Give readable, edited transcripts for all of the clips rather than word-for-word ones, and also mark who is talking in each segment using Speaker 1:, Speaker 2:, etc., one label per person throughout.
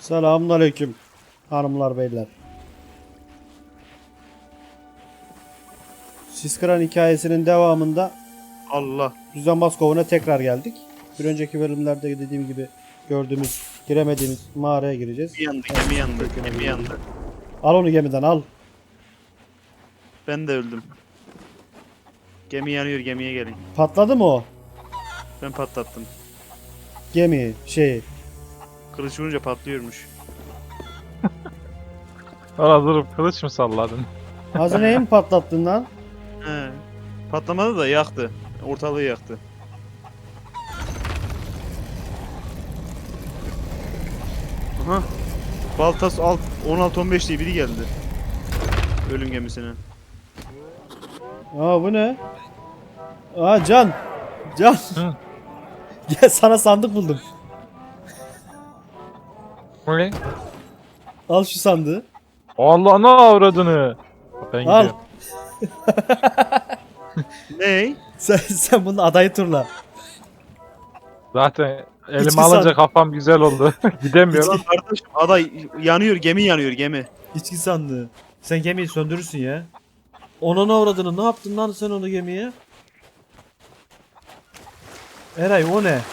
Speaker 1: Selamünaleyküm hanımlar beyler. Siskran hikayesinin devamında
Speaker 2: Allah.
Speaker 1: Düzenbaz Kovu'na tekrar geldik. Bir önceki bölümlerde dediğim gibi gördüğümüz, giremediğimiz mağaraya gireceğiz.
Speaker 2: Gemi yandı,
Speaker 1: Evet,
Speaker 2: gemi yandı,
Speaker 1: köküne
Speaker 2: gemi
Speaker 1: gireceğiz.
Speaker 2: yandı.
Speaker 1: Al onu gemiden al.
Speaker 2: Ben de öldüm. Gemi yanıyor, gemiye gelin.
Speaker 1: Patladı mı o?
Speaker 2: Ben patlattım.
Speaker 1: Gemi
Speaker 2: Kılıç vurunca patlıyormuş.
Speaker 3: Orada durup kılıç mı salladın?
Speaker 1: Hazineyi mi patlattın lan?
Speaker 2: He. Patlamadı da yaktı. Ortalığı yaktı. Aha. Baltas alt 16-15 diye biri geldi. Ölüm gemisine.
Speaker 1: Aa bu ne? Aa Can. Can.
Speaker 3: Hı.
Speaker 1: Gel sana sandık buldum.
Speaker 3: Ne?
Speaker 1: Al şu sandığı.
Speaker 3: Allah ne avradını. Ben
Speaker 1: Al.
Speaker 3: gidiyorum.
Speaker 2: Ney?
Speaker 1: Sen bunun adayı turla.
Speaker 3: Zaten
Speaker 1: İçki
Speaker 3: elime alınca
Speaker 1: sandık.
Speaker 3: kafam güzel oldu. Gidemiyorum.
Speaker 2: Lan kardeşim aday yanıyor, gemi yanıyor, gemi.
Speaker 1: İçki sandığı. Sen gemiyi söndürürsün ya. Ona ne uğradığını ne yaptın lan sen onu gemiye? Eray o ne?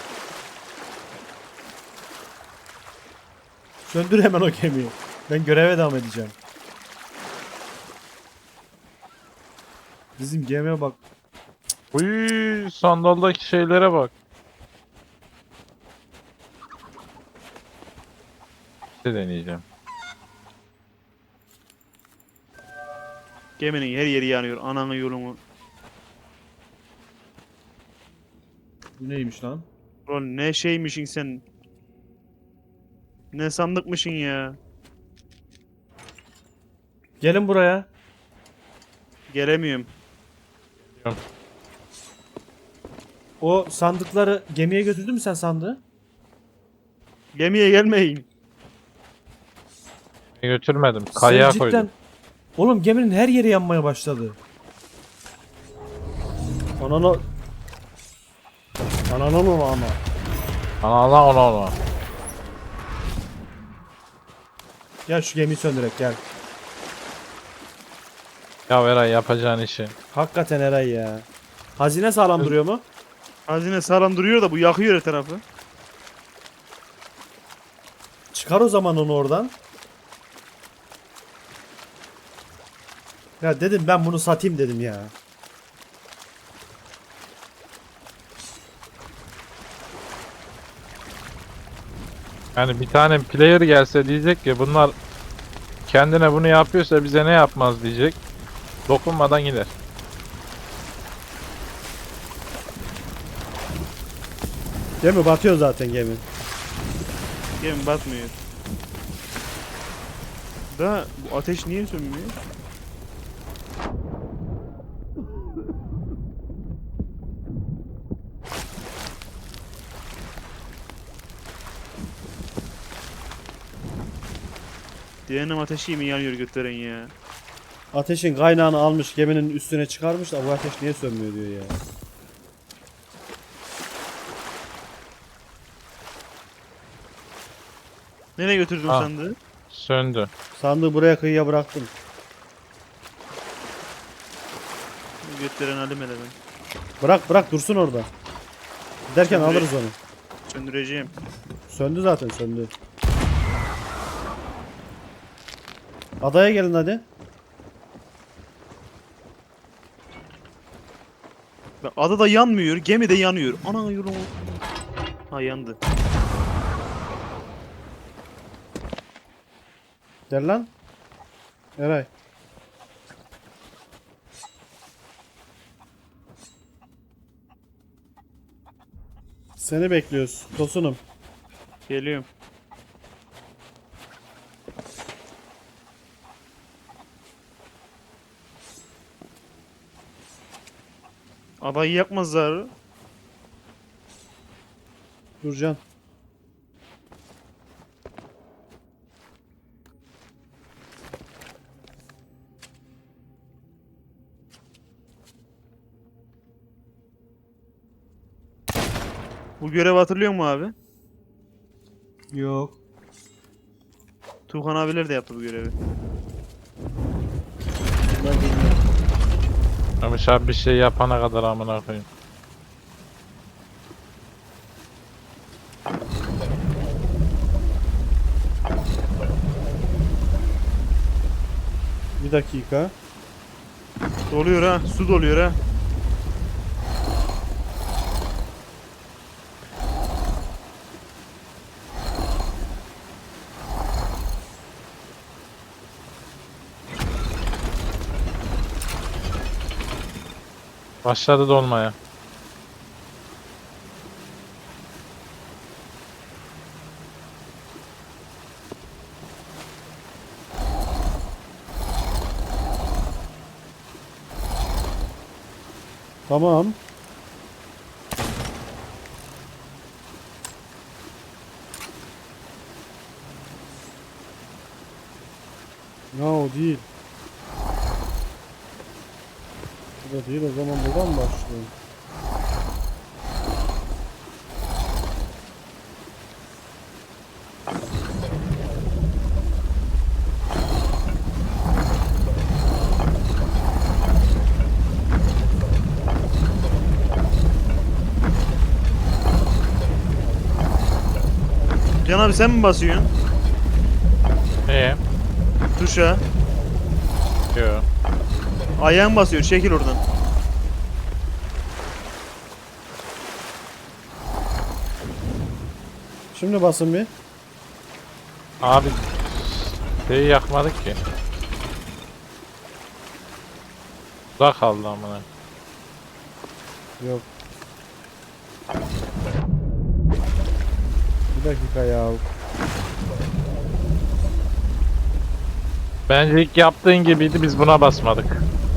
Speaker 1: Söndür hemen o gemiyi. Ben göreve devam edeceğim. Bizim gemiye bak.
Speaker 3: Uy, sandaldaki şeylere bak. Bir şey deneyeceğim.
Speaker 2: Geminin her yeri yanıyor. Ananı yolumu.
Speaker 1: Bu neymiş lan?
Speaker 2: Ulan ne şeymişin sen. Ne sandıkmışın ya.
Speaker 1: Gelin buraya.
Speaker 2: Gelemiyorum.
Speaker 1: O sandıkları gemiye götürdün mü sen sandığı?
Speaker 2: Gemiye gelmeyin.
Speaker 3: Götürmedim.
Speaker 1: Sen
Speaker 3: Kayaya
Speaker 1: cidden...
Speaker 3: koydum.
Speaker 1: Oğlum geminin her yeri yanmaya başladı. Ananı... Ananı mı ama?
Speaker 3: Ana ona.
Speaker 1: Gel şu gemiyi söndürek gel.
Speaker 3: Ya Eray yapacağın işi.
Speaker 1: Hakikaten Eray ya. Hazine sağlam duruyor mu?
Speaker 2: Hazine sağlam duruyor da bu yakıyor her tarafı.
Speaker 1: Çıkar o zaman onu oradan. Ya dedim ben bunu satayım dedim ya.
Speaker 3: Yani bir tane player gelse diyecek ki bunlar kendine bunu yapıyorsa bize ne yapmaz diyecek. Dokunmadan gider.
Speaker 1: Gemi batıyor zaten gemi.
Speaker 2: Gemi batmıyor. Da bu ateş niye sönmüyor? Cehennem ateşi mi yanıyor götüren ya?
Speaker 1: Ateşin kaynağını almış geminin üstüne çıkarmış da bu ateş niye sönmüyor diyor ya.
Speaker 2: Nereye götürdün
Speaker 3: Ha.
Speaker 2: sandığı?
Speaker 3: Söndü.
Speaker 1: Sandığı buraya kıyıya bıraktım.
Speaker 2: Götüren alim hele ben.
Speaker 1: Bırak dursun orada. Giderken
Speaker 2: Söndüreyim.
Speaker 1: alırız onu.
Speaker 2: Söndüreceğim.
Speaker 1: Söndü zaten söndü. Adaya gelin hadi.
Speaker 2: Bak ada da yanmıyor, gemi de yanıyor. Ana yolu. Ha yandı.
Speaker 1: Gel lan. Eray. Seni bekliyoruz. Tosunum.
Speaker 2: Geliyorum. Adayı yakmazlar.
Speaker 1: Durcan.
Speaker 2: Bu görevi hatırlıyor musun abi?
Speaker 1: Yok.
Speaker 2: Tuğhan abiler de yaptı bu görevi.
Speaker 1: Ben bilmiyorum.
Speaker 3: Ömüş abi bir şey yapana kadar amına koyayım.
Speaker 1: Bir dakika.
Speaker 2: Doluyor ha. Su doluyor ha.
Speaker 3: Başladı dolmaya.
Speaker 1: Tamam. Ya o değil. Bu da değil, o zaman buradan mı başlayalım?
Speaker 2: Can abi sen mi basıyorsun?
Speaker 3: Neye?
Speaker 2: Tuşa.
Speaker 3: Yo.
Speaker 2: Ayağın basıyor. Çekil oradan.
Speaker 1: Şimdi basın bir.
Speaker 3: Abi şeyi yakmadık ki. Uzak kaldı amına.
Speaker 1: Yok. Bir dakika ya.
Speaker 3: Bence ilk yaptığın gibiydi, biz buna basmadık.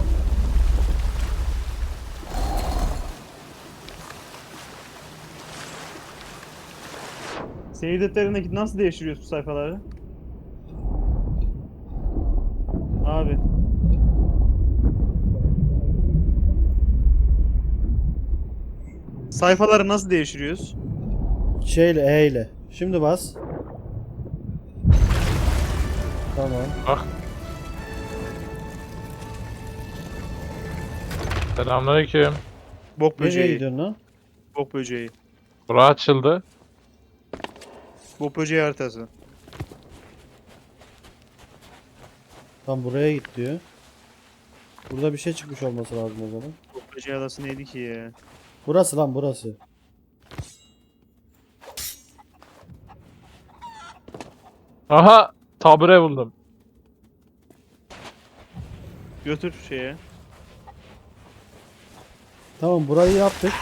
Speaker 2: Seyir defterindeki nasıl değiştiriyorsun bu sayfaları? Abi. Sayfaları nasıl değiştiriyoruz?
Speaker 1: Şeyle, E ile. Şimdi bas. Tamam.
Speaker 3: Bak. Selamünaleyküm.
Speaker 2: Bok
Speaker 1: Nereye
Speaker 2: böceği.
Speaker 1: gidiyorsun lan?
Speaker 2: Bok böceği.
Speaker 3: Bura açıldı.
Speaker 2: Bok böceği haritası.
Speaker 1: Tam buraya git diyor. Burada bir şey çıkmış olması lazım o zaman.
Speaker 2: Bok böceği adası neydi ki ya?
Speaker 1: Burası lan, burası.
Speaker 3: Aha! Tabure buldum.
Speaker 2: Götür şeye.
Speaker 1: Tamam, burayı yaptık.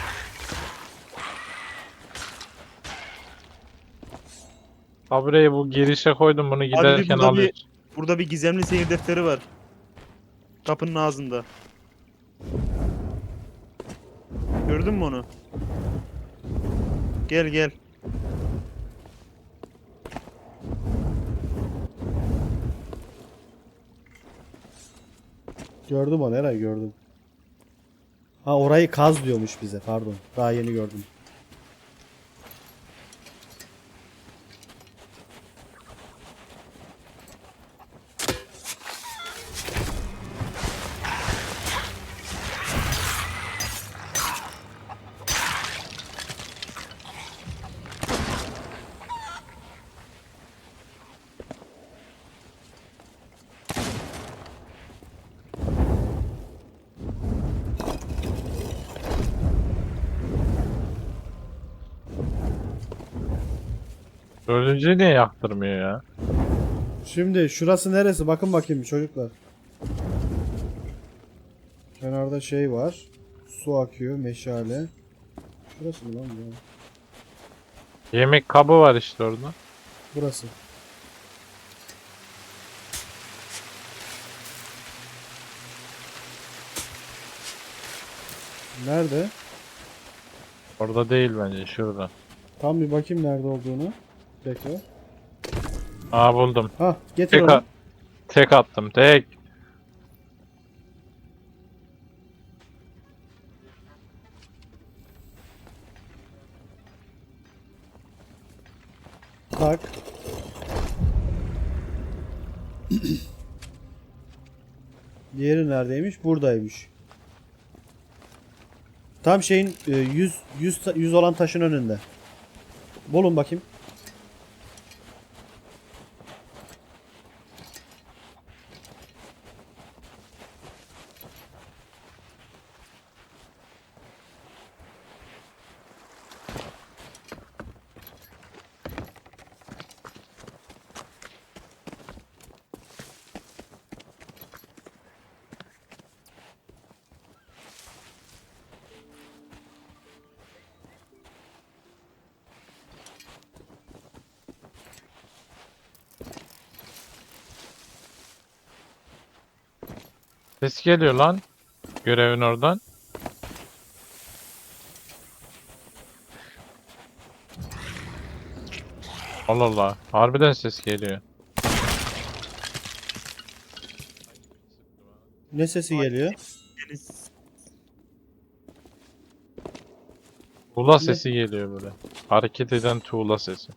Speaker 3: Tabureyi bu girişe koydum, bunu giderken
Speaker 2: burada
Speaker 3: alıyor.
Speaker 2: Burada bir gizemli seyir defteri var. Kapının ağzında. Gördün mü onu? Gel gel.
Speaker 1: Gördüm onu, nereye gördüm. Ha, orayı kaz diyormuş bize, pardon. Daha yeni gördüm.
Speaker 3: Dördüncüyü niye yaktırmıyor ya?
Speaker 1: Şimdi şurası neresi? Bakın bakayım çocuklar. Kenarda şey var. Su akıyor, meşale. Şurası mı lan bu?
Speaker 3: Yemek kabı var işte orada.
Speaker 1: Burası. Nerede?
Speaker 3: Orada değil bence, şurada.
Speaker 1: Tam bir bakayım nerede olduğunu. Tekrar.
Speaker 3: Aa buldum.
Speaker 1: Ha, getir
Speaker 3: Tek,
Speaker 1: onu.
Speaker 3: tek attım, tek.
Speaker 1: Tak. Diğeri neredeymiş? Buradaymış. Tam şeyin 100 olan taşın önünde. Bulun bakayım.
Speaker 3: Ses geliyor lan. Görevin oradan. Allah Allah. Harbiden ses geliyor.
Speaker 1: Ne sesi geliyor?
Speaker 2: Deniz.
Speaker 3: Tuğla sesi geliyor böyle. Hareket eden tuğla sesi.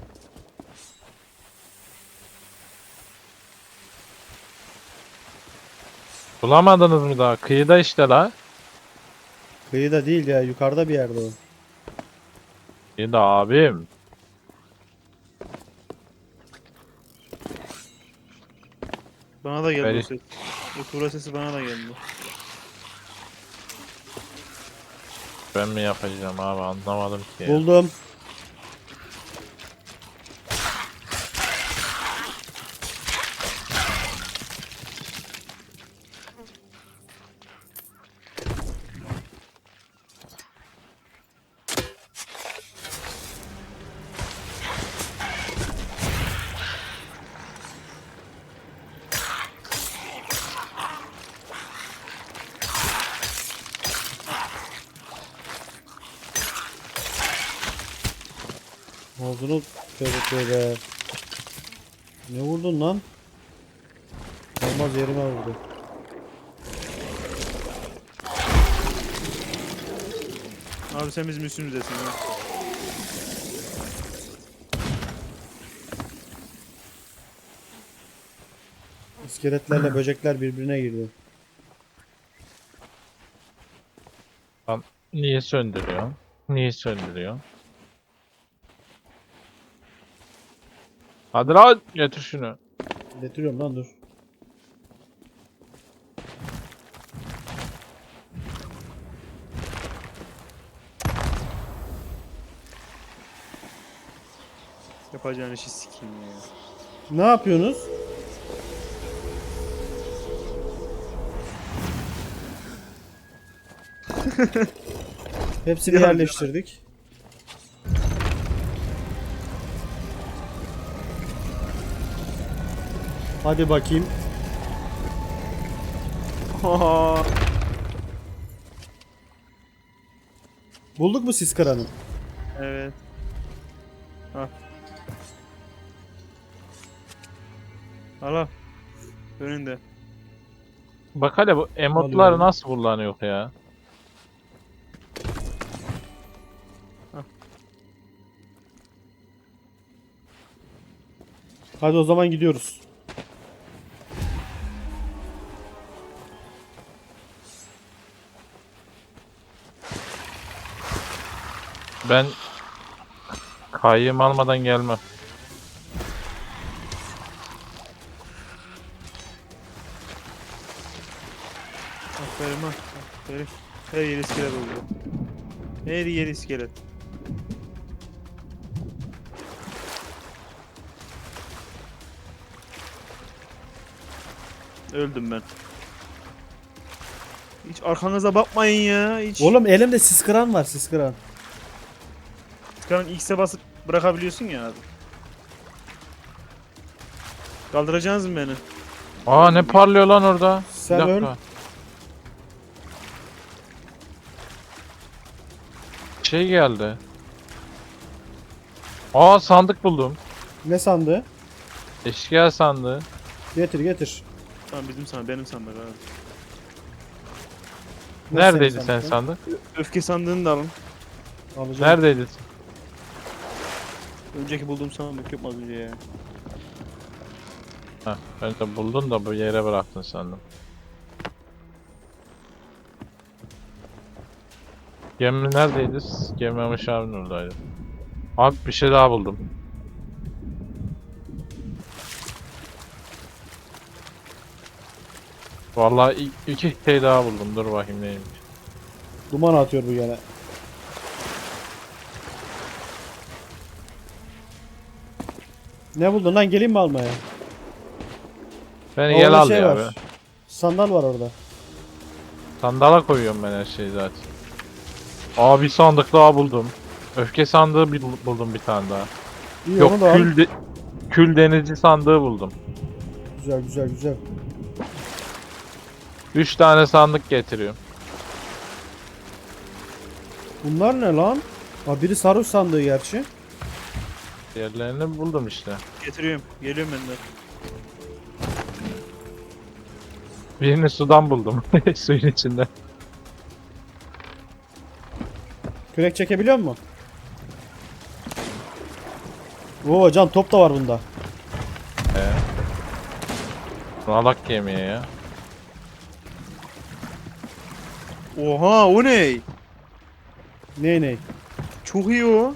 Speaker 3: Bulamadınız mı daha? Kıyıda işte la.
Speaker 1: Kıyıda değil ya, yukarıda bir yerde o.
Speaker 3: Kıyıda abim.
Speaker 2: Bana da geldi
Speaker 3: Beni-
Speaker 2: o ses. O tuğla sesi bana da geldi.
Speaker 3: Ben mi yapacağım abi anlamadım ki.
Speaker 1: Buldum. Ağzını tövbe. Ne vurdun lan? Olmaz, yerime vurdu.
Speaker 2: Abi sen bizim üstümüzdesin ha.
Speaker 1: İskeletlerle böcekler birbirine girdi.
Speaker 3: Niye söndürüyor? Niye söndürüyor? Hadi lan getir şunu.
Speaker 1: Getiriyorum lan, dur.
Speaker 2: Yapacağın işi sikeyim ya.
Speaker 1: Ne yapıyorsunuz? Hepsini
Speaker 2: Ya,
Speaker 1: yerleştirdik. Hadi bakayım. Bulduk mu sis kıranı?
Speaker 2: Evet. Al. Al. Önünde.
Speaker 3: Bak hele bu emotlar
Speaker 1: Alıyorum.
Speaker 3: nasıl kullanıyor ya?
Speaker 1: Hadi o zaman gidiyoruz.
Speaker 3: Ben kayyım almadan gelmem.
Speaker 2: Aferin ha. Aferin. Her yer iskelet oldu. Her yer iskelet. Öldüm ben. Hiç arkanıza bakmayın ya. Hiç.
Speaker 1: Oğlum elimde sis kıran var, sis kıran.
Speaker 2: Tıkanın X'e basıp bırakabiliyorsun ya abi. Kaldıracaksınız mı beni?
Speaker 3: Aa ne parlıyor lan orada?
Speaker 1: Sen
Speaker 3: Bir dakika.
Speaker 1: öl.
Speaker 3: Şey geldi. Aa sandık buldum.
Speaker 1: Ne sandığı?
Speaker 3: Eşkıya sandığı.
Speaker 1: Getir getir.
Speaker 2: Tamam bizim sandık, benim sandık abi.
Speaker 1: Nasıl
Speaker 3: Neredeydi
Speaker 1: senin
Speaker 3: sen
Speaker 1: sandığın?
Speaker 3: sandık?
Speaker 2: Öfke sandığını da alın.
Speaker 1: Alacağım.
Speaker 3: Neredeydin?
Speaker 2: Önceki bulduğum sandık yok mu az önce ya?
Speaker 3: Heh, ben de buldun da bu yere bıraktın sandım. Gemi neredeydi? Gemi Memiş abinin oradaydı. Abi bir şey daha buldum. Vallahi iki şey daha buldum. Dur bakayım neymiş.
Speaker 1: Duman atıyor bu gene. Ne buldun lan, geleyim mi almaya?
Speaker 3: Beni
Speaker 1: Orada
Speaker 3: gel al
Speaker 1: şey
Speaker 3: ya
Speaker 1: var.
Speaker 3: be.
Speaker 1: Sandal var orada.
Speaker 3: Sandala koyuyorum ben her şeyi zaten. Aa bir sandık daha buldum. Öfke sandığı buldum bir tane daha.
Speaker 1: İyi,
Speaker 3: Yok
Speaker 1: onu da al.
Speaker 3: kül denizci sandığı buldum.
Speaker 1: Güzel güzel güzel.
Speaker 3: 3 tane sandık getiriyorum.
Speaker 1: Bunlar ne lan? Aa, biri sarhoş sandığı gerçi.
Speaker 3: Diğerlerini buldum işte.
Speaker 2: Getiriyorum. Geliyorum ben de.
Speaker 3: Birini sudan buldum. Suyun içinde.
Speaker 1: Kürek çekebiliyor musun? Oo can, top da var bunda.
Speaker 3: Alak yemeğe ya.
Speaker 2: Oha o ne?
Speaker 1: Ney?
Speaker 2: Çok iyi o.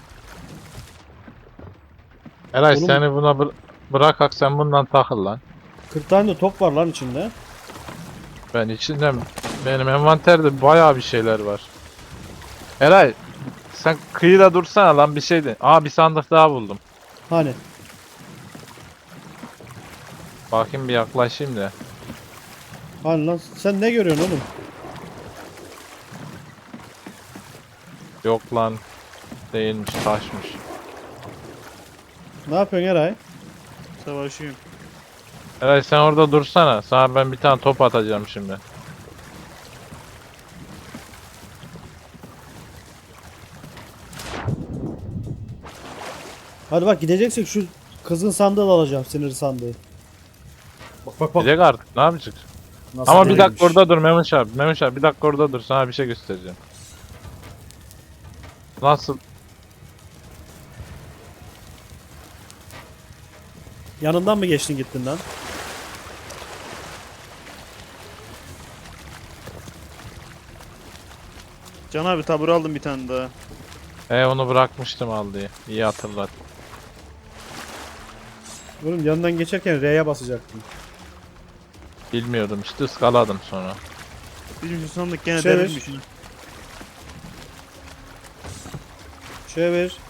Speaker 3: Eray
Speaker 1: Oğlum-
Speaker 3: seni buna bırakak sen bundan takıl lan.
Speaker 1: 40 tane de top var lan içinde.
Speaker 3: Ben içinden benim envanterde bayağı bir şeyler var. Eray sen kıyıda dursana lan bir şeydi. Aa bir sandık daha buldum.
Speaker 1: Hani?
Speaker 3: Bakayım bir yaklaşayım da.
Speaker 1: Hani lan, sen ne görüyorsun oğlum?
Speaker 3: Yok lan. Değilmiş taşmış.
Speaker 1: Ne yapıyorsun Eray?
Speaker 2: Savaşıyorum.
Speaker 3: Eray sen orada dursana. Sana ben bir tane top atacağım şimdi.
Speaker 1: Hadi bak, gideceksek şu kızın sandığı da alacağım, sinir sandığı. Bak.
Speaker 3: Gidecek artık ne yapacak?
Speaker 1: Nasıl
Speaker 3: Ama bir
Speaker 1: değilmiş.
Speaker 3: dakika orada dur Memiş abi. Memiş abi bir dakika orada dur sana bir şey göstereceğim. Nasıl?
Speaker 1: Yanından mı geçtin gittin lan?
Speaker 2: Can abi tabur aldım bir tane daha.
Speaker 3: Onu bırakmıştım al diye. İyi hatırlat.
Speaker 1: Oğlum yanından geçerken R'ye basacaktım.
Speaker 3: Bilmiyordum işte ıskaladım sonra.
Speaker 2: Bizim şu sandık gene
Speaker 1: Çevir.
Speaker 2: derinmiş.
Speaker 1: Çevir.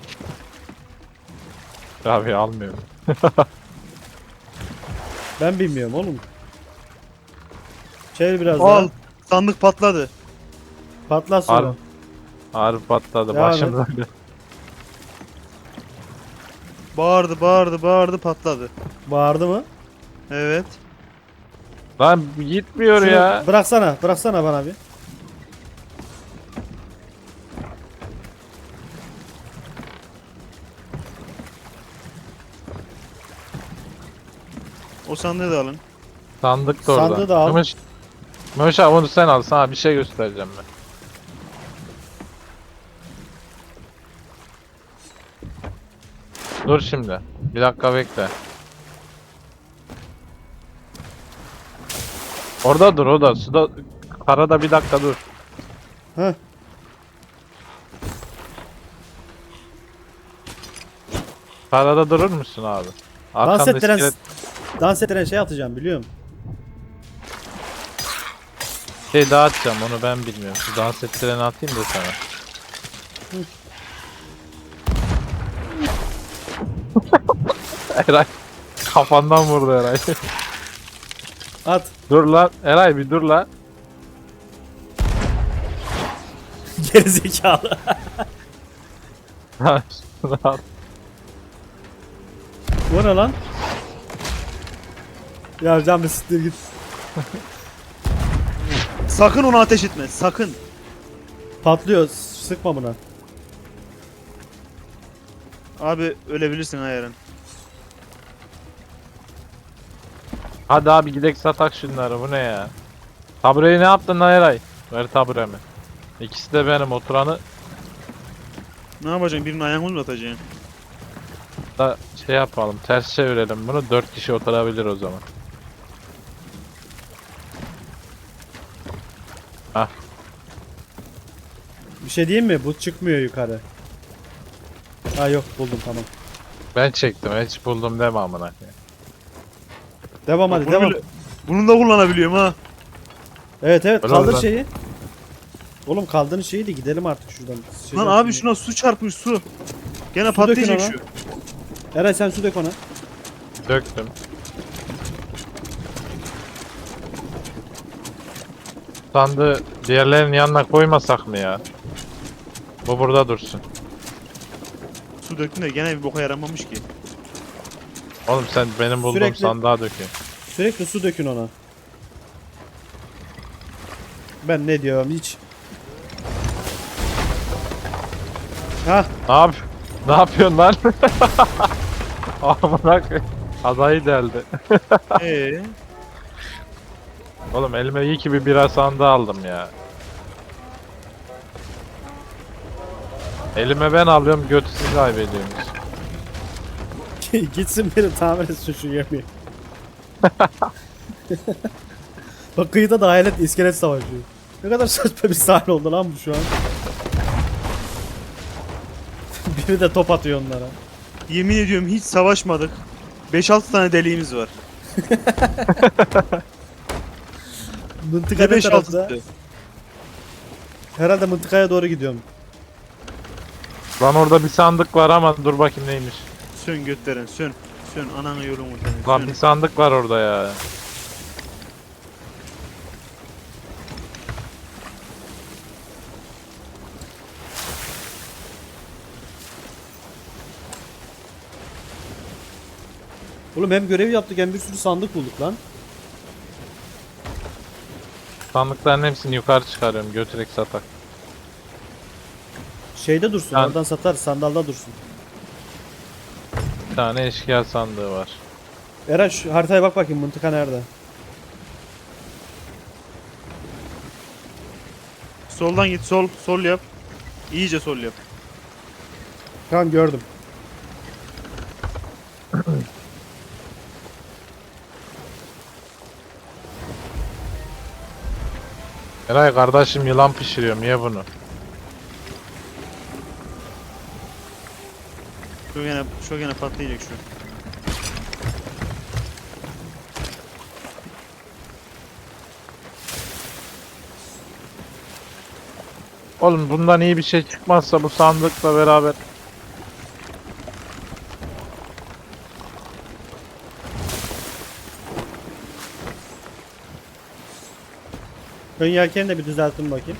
Speaker 3: Abi almıyorum.
Speaker 1: Ben bilmiyorum oğlum. Çevir biraz
Speaker 2: Al.
Speaker 1: daha.
Speaker 2: Sandık patladı.
Speaker 1: Patlat sonra.
Speaker 3: Harbi, harbi patladı
Speaker 1: Devam
Speaker 3: başım
Speaker 1: et.
Speaker 3: böyle.
Speaker 2: Bağırdı patladı.
Speaker 1: Bağırdı mı?
Speaker 2: Evet.
Speaker 3: Lan gitmiyor
Speaker 1: Şunu
Speaker 3: ya.
Speaker 1: bıraksana bana bir.
Speaker 2: O sandığı da alın.
Speaker 3: Sandık da orada.
Speaker 1: Sandığı da al.
Speaker 3: Mehmet abi onu sen al sana bir şey göstereceğim ben. Dur şimdi. Bir dakika bekle. Orada dur o da suda karada bir dakika dur.
Speaker 1: Heh.
Speaker 3: Karada durur musun abi?
Speaker 1: Dans
Speaker 3: Arkanda
Speaker 1: ettiren,
Speaker 3: iskelet
Speaker 1: dans ettiren şey atacağım, biliyorum.
Speaker 3: şey dağıtacağım onu ben bilmiyorum. Şu dans ettireni atayım da sana. Eray kafandan vurdu Eray.
Speaker 1: At.
Speaker 3: Dur lan Eray bir dur lan.
Speaker 1: Gerizekalı.
Speaker 3: Şunu at.
Speaker 1: Bu ne lan? Ya can bir siktir git.
Speaker 2: Sakın onu ateş etme. Sakın.
Speaker 1: Patlıyor. Sıkma buna.
Speaker 2: Abi ölebilirsin ha yarın.
Speaker 3: Hadi abi gidek satak şunları bu ne ya? Tabureyi ne yaptın lan Eray? Ver taburemi. İkisi de benim oturanı.
Speaker 2: Ne yapacaksın? Birinin ayağını mı atacaksın?
Speaker 3: Da şey yapalım, ters çevirelim bunu, 4 kişi oturabilir o zaman. Hah,
Speaker 1: Bir şey diyeyim mi? Bu çıkmıyor yukarı. Ha yok buldum tamam.
Speaker 3: ben çektim, hiç buldum deme amına koyayım.
Speaker 1: Devam hadi
Speaker 2: Bunu
Speaker 1: devam.
Speaker 2: bile- Bunu da kullanabiliyorum ha.
Speaker 1: Evet evet
Speaker 3: Öyle
Speaker 1: kaldır
Speaker 3: lan.
Speaker 1: şeyi. Oğlum kaldırın şeyi de gidelim artık şuradan.
Speaker 2: Lan abi şuna su çarpmış su. Gene
Speaker 1: Su
Speaker 2: patlayacak
Speaker 1: dökün
Speaker 2: şu.
Speaker 1: Eray sen su dök ona.
Speaker 3: Döktüm. Sandığı diğerlerinin yanına koymasak mı ya? Bu burada dursun.
Speaker 2: Su döktüm de gene bir boka yaramamış ki.
Speaker 3: Oğlum sen benim bulduğum
Speaker 1: Sürekli-
Speaker 3: sandığa dökün.
Speaker 1: Sürekli su dökün ona. Ben ne diyorum hiç. Ha
Speaker 3: Ne yapıyorsun lan? Amına koyayım. Adayı deldi. Oğlum elime iyi ki bir bira sandığı aldım ya. Elime ben alıyorum, götü siz kaybediyorsunuz.
Speaker 1: gitsin beni tamir etsin şu gemiyi. Bak kıyıda da hayalet iskelet savaşıyor. Ne kadar saçma bir sahne oldu lan bu şu an. Biri de top atıyor onlara.
Speaker 2: Yemin ediyorum hiç savaşmadık. 5-6 tane deliğimiz var.
Speaker 1: Mıntıka
Speaker 2: Ne
Speaker 1: ne
Speaker 2: 5-6'sı?
Speaker 1: tarafta? Herhalde mıntıkaya doğru gidiyorum.
Speaker 3: Lan orada bir sandık var ama dur bakayım neymiş.
Speaker 2: Sön götlerin sön. Sön ananı yolunu
Speaker 3: Lan
Speaker 2: sön.
Speaker 3: bir sandık var orada ya.
Speaker 1: Oğlum hem görev yaptık hem bir sürü sandık bulduk lan.
Speaker 3: Sandıkların hepsini yukarı çıkarıyorum, götürek satak.
Speaker 1: Şeyde dursun
Speaker 3: Ben-
Speaker 1: oradan satar sandalda dursun.
Speaker 3: Bir tane eşkıya sandığı var.
Speaker 1: Eren şu haritaya bak bakayım mıntıka nerede?
Speaker 2: Soldan git sol yap. İyice sol yap.
Speaker 1: Tamam gördüm.
Speaker 3: Eray kardeşim yılan pişiriyorum, ye bunu.
Speaker 2: Şu gene patlayacak şu.
Speaker 3: Oğlum bundan iyi bir şey çıkmazsa bu sandıkla beraber.
Speaker 1: Ön yelkeni de bir düzeltin bakayım.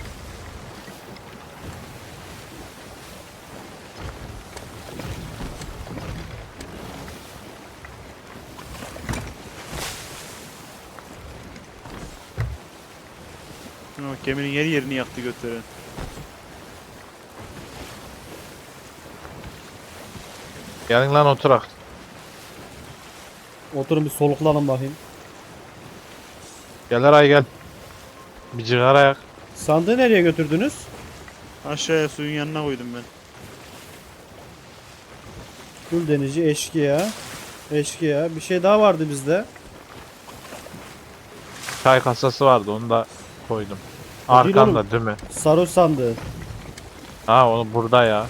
Speaker 2: Şuna bak geminin yerini yaktı götleri.
Speaker 3: Gelin lan oturak.
Speaker 1: Oturun bir soluklanın bakayım.
Speaker 3: Gel Eray gel. Bir cigara yak.
Speaker 1: Sandığı nereye götürdünüz?
Speaker 2: Aşağıya suyun yanına koydum ben.
Speaker 1: Kul denici, eşkıya. Eşkıya. Bir şey daha vardı bizde.
Speaker 3: Çay kasası vardı, onu da koydum.
Speaker 1: O değil
Speaker 3: Arkanda değil mi?
Speaker 1: Sarı sandığı.
Speaker 3: Ha onu burada ya.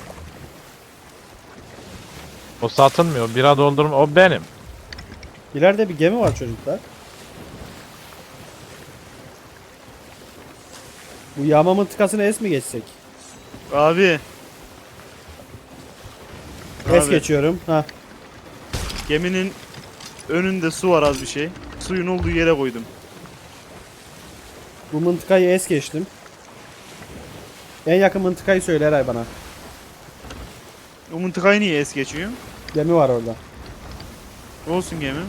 Speaker 3: O satılmıyor. Bira doldurma. O benim.
Speaker 1: İleride bir gemi var çocuklar. Bu yağma mıntıkasını es mi geçsek?
Speaker 2: Abi.
Speaker 1: Es
Speaker 2: Abi,
Speaker 1: geçiyorum. Ha.
Speaker 2: geminin önünde su var az bir şey. Suyun olduğu yere koydum.
Speaker 1: Bu mıntıkayı es geçtim. En yakın mıntıkayı söyle Eray bana.
Speaker 2: O mıntıkayı niye es geçiyor?
Speaker 1: Gemi var orada.
Speaker 2: Olsun gemi.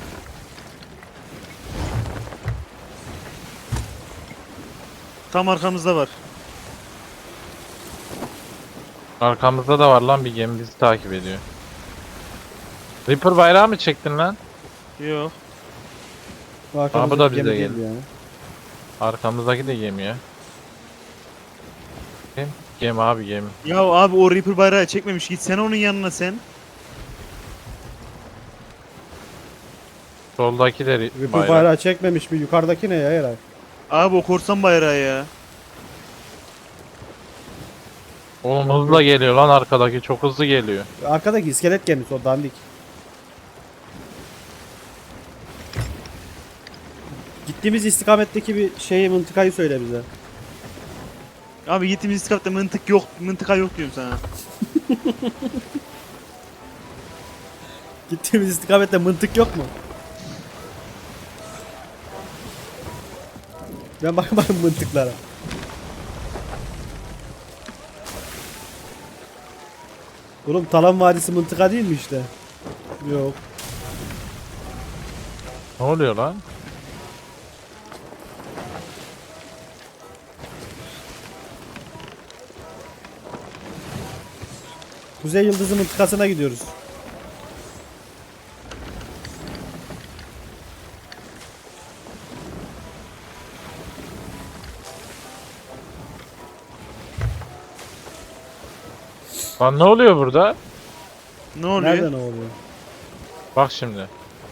Speaker 2: Tam arkamızda var.
Speaker 3: Arkamızda da var lan bir gemi bizi takip ediyor. Reaper bayrağı mı çektin lan?
Speaker 2: Yok.
Speaker 1: Bu arkamızda
Speaker 3: bu da
Speaker 1: bir gemi
Speaker 3: bize
Speaker 1: değil
Speaker 3: geldi.
Speaker 1: yani.
Speaker 3: Arkamızdaki de gemi ya. Gemi abi gemi.
Speaker 2: Ya abi o Reaper bayrağı çekmemiş. Gitsene onun yanına sen.
Speaker 3: Soldakileri
Speaker 1: Ripple
Speaker 3: bayrak.
Speaker 1: bayrağı çekmemiş mi? Yukarıdaki ne ya Eray?
Speaker 2: Abi o korsan bayrağı ya.
Speaker 3: Oğlum hızla geliyor lan arkadaki. Çok hızlı geliyor.
Speaker 1: Arkadaki iskelet gemisi o dandik. Gittiğimiz istikametteki bir şeyi mıntıkayı söyle bize.
Speaker 2: Abi gittiğimiz istikamette mıntık yok. Mıntıka yok diyorum sana.
Speaker 1: Gittiğimiz istikamette mıntık yok mu? Ben bakmadım mıntıklara. Oğlum Talan Vadisi mıntıka değil mi işte? Yok.
Speaker 3: Ne oluyor lan?
Speaker 1: Kuzey Yıldızı mıntıkasına gidiyoruz.
Speaker 3: Lan ne oluyor burada?
Speaker 2: Ne oluyor?
Speaker 1: Nerede ne oluyor?
Speaker 3: Bak şimdi.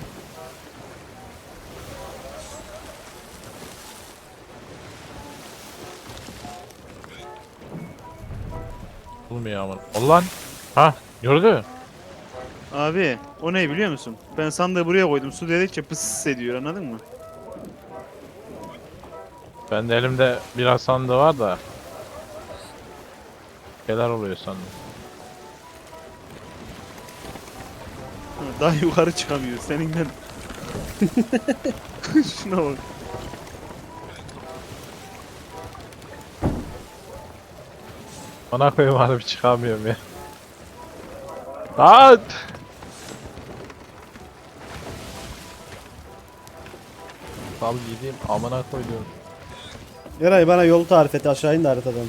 Speaker 3: Olmuyor ama. Ulan. Ha, gördü.
Speaker 2: Abi o ne biliyor musun? Ben sandığı buraya koydum. Su dedikçe pıs ediyor, anladın mı?
Speaker 3: Ben de elimde biraz sandığı var da. Neler oluyor sandım.
Speaker 2: Ha, daha yukarı çıkamıyor seninle. Şuna bak.
Speaker 3: Bana koyayım harbi çıkamıyorum ya. At! Sal gideyim amına koyduğum.
Speaker 1: Eray bana yolu tarif et, aşağı in de haritadan.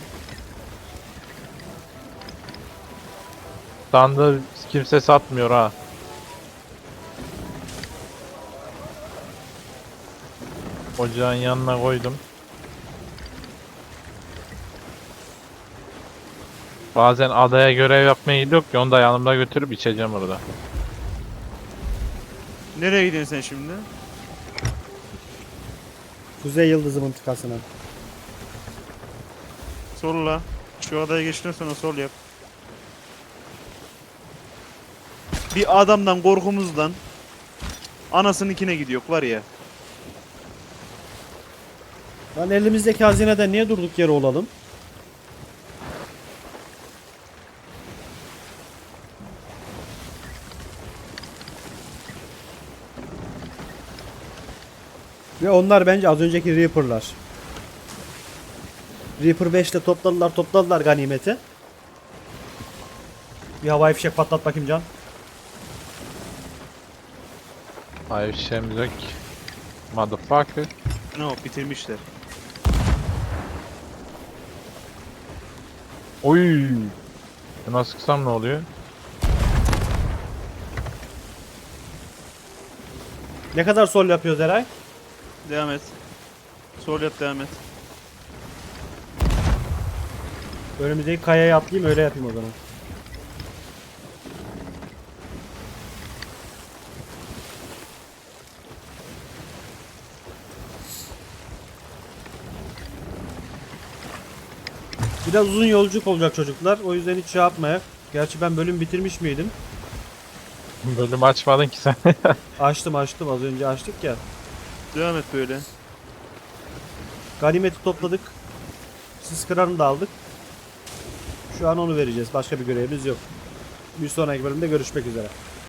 Speaker 3: Sandığı kimse satmıyor ha. Ocağın yanına koydum. Bazen adaya görev yapmaya gidiyor ki onu da yanımda götürüp içeceğim orada.
Speaker 2: Nereye gidiyorsun sen şimdi?
Speaker 1: Kuzey Yıldızı mıntıkasına.
Speaker 2: Solla. Şu adaya geçtikten sonra sol yap. Bir adamdan korkumuzdan anasınınkine gidiyor var ya.
Speaker 1: Lan elimizdeki hazineden niye durduk yere olalım? Ve onlar bence az önceki Reaper'lar. Reaper 5'te topladılar ganimeti. Bir havai fişek patlat bakayım Can.
Speaker 3: Hayır şeyimiz yok ki. Motherfucker.
Speaker 2: No, bitirmişler.
Speaker 3: Oy. Buna sıksam ne oluyor?
Speaker 1: Ne kadar sol yapıyoruz Eray?
Speaker 2: Devam et. Sol yap, devam et.
Speaker 1: Önümüzdeki kayaya atlayayım öyle yapayım o zaman. Biraz uzun yolculuk olacak çocuklar. O yüzden hiç şey yapmaya. Gerçi ben bölüm bitirmiş miydim?
Speaker 3: Bölüm açmadın ki sen.
Speaker 1: Açtım az önce açtık ya.
Speaker 2: Devam et böyle.
Speaker 1: Ganimeti topladık. Sis kıranı da aldık. Şu an onu vereceğiz. Başka bir görevimiz yok. Bir sonraki bölümde görüşmek üzere.